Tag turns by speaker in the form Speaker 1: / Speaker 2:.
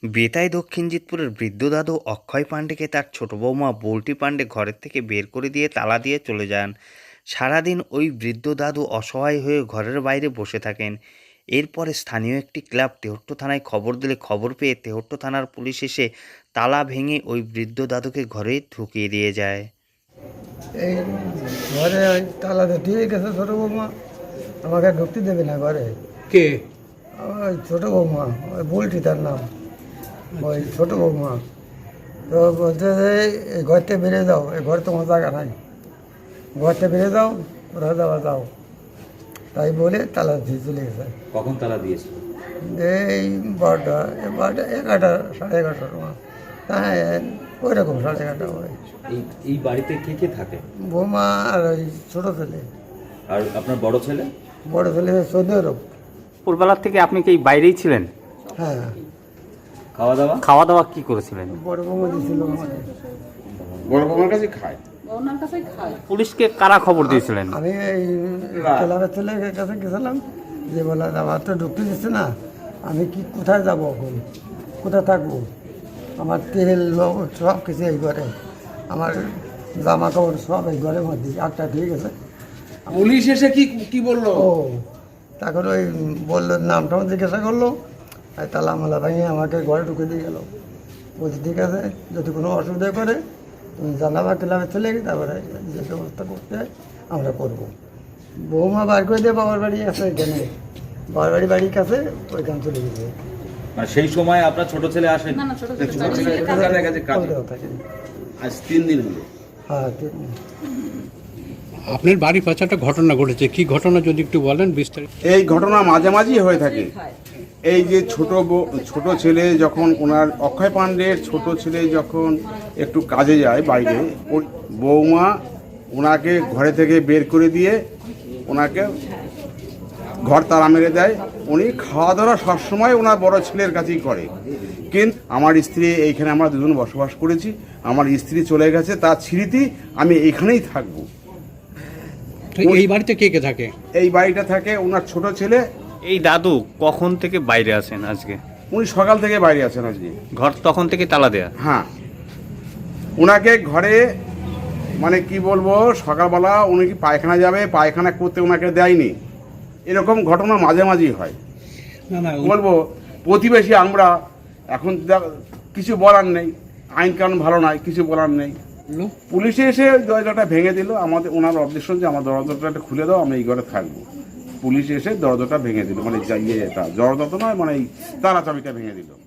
Speaker 1: বেতাই দক্ষিণ জিতপুরের বৃদ্ধ দাদু অক্ষয় পাণ্ডেকে তার ছোট বৌমা বল্টি পাণ্ডে ঘরের থেকে বের করে দিয়ে তালা দিয়ে চলে যান। সারাদিন ওই বৃদ্ধ দাদু অসহায় হয়ে ঘরের বাইরে বসে থাকেন। এরপরে স্থানীয় একটি ক্লাব তেহট্ট থানায় খবর দিলে খবর পেয়ে তেহট্ট থানার পুলিশ এসে তালা ভেঙে ওই বৃদ্ধ দাদুকে ঘরে ঢুকিয়ে দিয়ে যায়।
Speaker 2: এই ঘরে ওই তালাতে দিয়ে গেছে ছোটো বৌমা, আমাকে ঢুকতে দেবে না ঘরে।
Speaker 3: কে?
Speaker 2: ওই ছোটো বৌমা, ওই বলছি তার নাম, ওই ছোটো বৌমা। তো বলছে যে এই ঘর থেকে বেরিয়ে যাও, এই ঘরে তোমার জায়গা নাই, ঘর থেকে বেরিয়ে যাও, ওরা যাওয়া যাও। তাই বলে তালা দিয়ে চলে গেছে।
Speaker 3: কখন তালা দিয়েছিল?
Speaker 2: এই 12টা 11টা 11:30টার সময়। হ্যাঁ, ওই রকম 11:30 হয়।
Speaker 3: এই বাড়িতে কে কে থাকে?
Speaker 2: বৌমা আর ওই ছোটো ছেলে,
Speaker 3: আর আপনার বড় ছেলে?
Speaker 2: বড় ছেলে সৌদি আরব।
Speaker 4: পূর্ববেলার থেকে আপনি কি এই বাইরেই ছিলেন?
Speaker 2: হ্যাঁ,
Speaker 4: খাওয়া দাওয়া কি করেছিলেন?
Speaker 2: বড় বৌমা দিয়েছিল আমাকে।
Speaker 5: বড় বৌমার কাছে খায়।
Speaker 4: পুলিশকে কারা খবর দিয়েছিলেন?
Speaker 2: আমি এই ক্লাবের ছেলের কাছে গেছিলাম, যে বলে আমার তো ঢুকতে দিচ্ছে না, আমি কি কোথায় যাবো এখন, কোথায় থাকবো, আমার তেল লবণ সব কিছু এই ঘরে, আমার জামা কাপড় সব এই ঘরের মধ্যে একটা ঠিক আছে।
Speaker 5: পুলিশ এসে কি কি বললো?
Speaker 2: ও তখন ওই বললো, নামটা জিজ্ঞাসা করলো, আর তালা মালা ভেঙে আমাকে ঘরে ঢুকে দিয়ে গেলো। বলছি ঠিক আছে, যদি কোনো অসুবিধা করে তুমি জানাবা ক্লাবে চলে গিয়ে, তারপরে যে ব্যবস্থা করতে হয় আমরা করবো। বৌমা বার করে দিয়ে বাবার বাড়ি আছে এখানে, বাবার বাড়ির কাছে, ওইখানে চলে গেছে।
Speaker 3: মানে সেই সময় আপনার ছোট ছেলে আসেন?
Speaker 5: কলকাতার কাছে কাজ।
Speaker 2: কলকাতা থাকে।
Speaker 5: আজ 3 দিন হলো।
Speaker 2: হ্যাঁ, ঠিক।
Speaker 6: আপনার বাড়ির পাশে একটা ঘটনা ঘটেছে, কি ঘটনা যদি একটু বলেন বিস্তারিত।
Speaker 5: এই ঘটনা মাঝে মাঝেই হয়ে থাকে। এই যে ছোট ছেলে যখন ওনার অক্ষয় পাণ্ডের ছোট ছেলে যখন একটু কাজে যায় বাইরে, ওই বৌমা ওনাকে ঘরে থেকে বের করে দিয়ে ওনাকে ঘর তালা মেরে দেয়। উনি খাওয়া দাওয়া সবসময় ওনার বড় ছেলের কাছেই করে। কিন্তু আমার স্ত্রী, এইখানে আমরা দুজন বসবাস করেছি, আমার স্ত্রী চলে গেছে, তার স্মৃতি আমি এইখানেই থাকবো।
Speaker 6: তো এই বাড়িতে কে কে থাকে?
Speaker 5: এই বাড়িটা থাকে ওনার ছোট ছেলে।
Speaker 4: এই দাদু কখন থেকে বাইরে আসেন আজকে?
Speaker 5: উনি সকাল থেকে বাইরে আছেন আজকে।
Speaker 4: ঘর তখন থেকে তালা দেয়া?
Speaker 5: হ্যাঁ, ওনাকে ঘরে মানে কি বলবো, সকালবেলা উনি কি পায়খানা যাবে, পায়খানা করতে ওনাকে দেয়নি। এরকম ঘটনা মাঝে মাঝেই হয়।
Speaker 6: না না,
Speaker 5: বলবো প্রতিবেশী আমরা, এখন কিছু বলার নেই, আইন কানুন ভালো নয়, কিছু বলার নেই। পুলিশে এসে ওই দরজাটা ভেঙে দিল। আমাদের ওনার অবজেকশন যে আমার দরজাটা খুলে দাও, আমি এই ঘরে থাকবো। পুলিশ এসে দরজাটা ভেঙে দিল, মানে ইয়েটা দরজা তো নয়, মানে এই তালা চাবিটা ভেঙে দিল।